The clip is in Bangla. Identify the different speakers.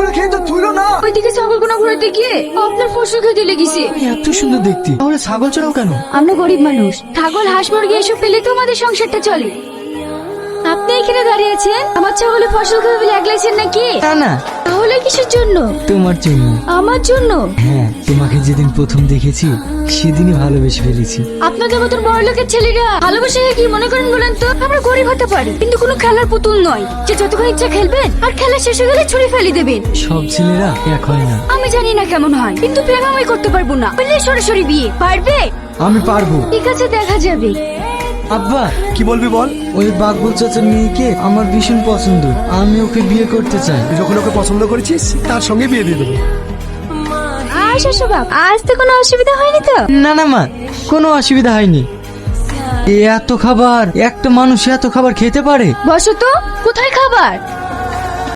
Speaker 1: ছাগলগুলো খেয়ে তো তুইলো না।
Speaker 2: ওইদিকে ছাগলগুলো ঘুরাতে গিয়ে আপনার ফসল খেতে লেগেছে।
Speaker 1: এত সুন্দর দেখতে, তাহলে ছাগল চড়াও কেন?
Speaker 2: আমরা গরিব মানুষ, ছাগল হাঁস মুরগি এসব পেলে তো আমাদের সংসারটা চলে। আপনি এখানে দাঁড়িয়ে আছেন, আমার ছাগলে ফসল খাবে বলে আগলাইছেন নাকি?
Speaker 1: না না,
Speaker 2: তাহলে কিসের জন্য?
Speaker 1: তোমার জন্য।
Speaker 2: আমার জন্য?
Speaker 1: হ্যাঁ, তোমাকে যেদিন প্রথম দেখেছি সেদিনই ভালোবেসে ফেলেছি।
Speaker 2: আপনাদের মতন বড় লোকের ছেলেরা ভালোবাসে কি মনে করেন বলেন তো? আমরা গরিব হতে পারি, কিন্তু কোনো খেলার পুতুল নয় যে যতক্ষণ ইচ্ছা খেলবেন আর খেলা শেষ হয়ে গেলে ছুড়ে ফেলে দেবেন।
Speaker 1: সব ছেলেরা এক হয় না।
Speaker 2: আমি জানি না কেমন হয়, কিন্তু প্রেম আমি করতে পারবো না। বললে সরাসরি বিয়ে পারবে?
Speaker 1: আমি পারবো।
Speaker 2: ঠিক আছে, দেখা যাবে।
Speaker 1: আব্বা,
Speaker 3: কি বলবি বল।
Speaker 1: ওই বাকবুল চাচার মেয়েকে আমার ভীষণ পছন্দ, আমি ওকে বিয়ে করতে চাই।
Speaker 3: তুই যখন ওকে পছন্দ করেছিস তার সঙ্গে বিয়ে দিয়ে দেবো।
Speaker 2: আচ্ছা বাপ, আজ তো কোনো অসুবিধা হয়নি তো?
Speaker 1: না না মা, কোনো অসুবিধা হয়নি। এত খাবার, একটা মানুষ এত খাবার খেতে পারে?
Speaker 2: বসো তো, কোথায় খাবার?